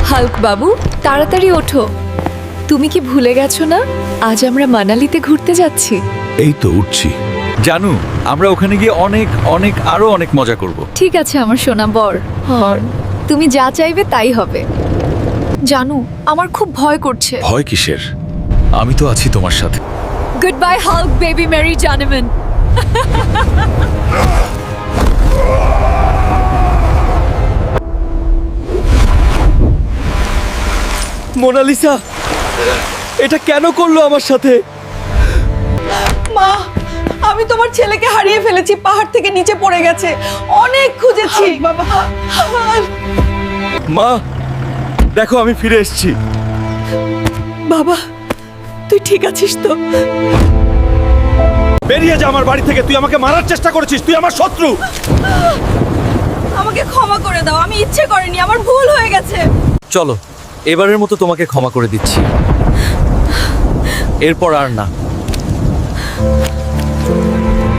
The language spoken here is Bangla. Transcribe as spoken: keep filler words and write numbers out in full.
হাল্ক বাবু, তাড়াতাড়ি ওঠো। তুমি কি ভুলে গেছো না আজ আমরা মানালিতে ঘুরতে যাচ্ছি? এই তো উঠছি। জানু, আমরা ওখানে গিয়ে অনেক অনেক আরো অনেক মজা করব। ঠিক আছে আমার সোনা বর। হর তুমি যা চাইবে তাই হবে। জানু, আমার খুব ভয় করছে। ভয় কিসের? আমি তো আছি তোমার সাথে। গুড বাই হাল্ক বেবি মেরি জানেমেন। মোনালিসা, এটা কেন করলো আমার সাথে? মা, আমি তোমার ছেলেকে হারিয়ে ফেলেছি, পাহাড় থেকে নিচে পড়ে গেছে, অনেক খুঁজেছি বাবা। মা, দেখো আমি ফিরে এসেছি। বাবা, তুই ঠিক আছিস তো? বেরিয়ে যা আমার বাড়ি থেকে। তুই আমাকে মারার চেষ্টা করেছিস, তুই আমার শত্রু। আমাকে ক্ষমা করে দাও, আমি ইচ্ছে করিনি, আমার ভুল হয়ে গেছে। চলো, এবারের মতো তোমাকে ক্ষমা করে দিচ্ছি। এরপর আর না।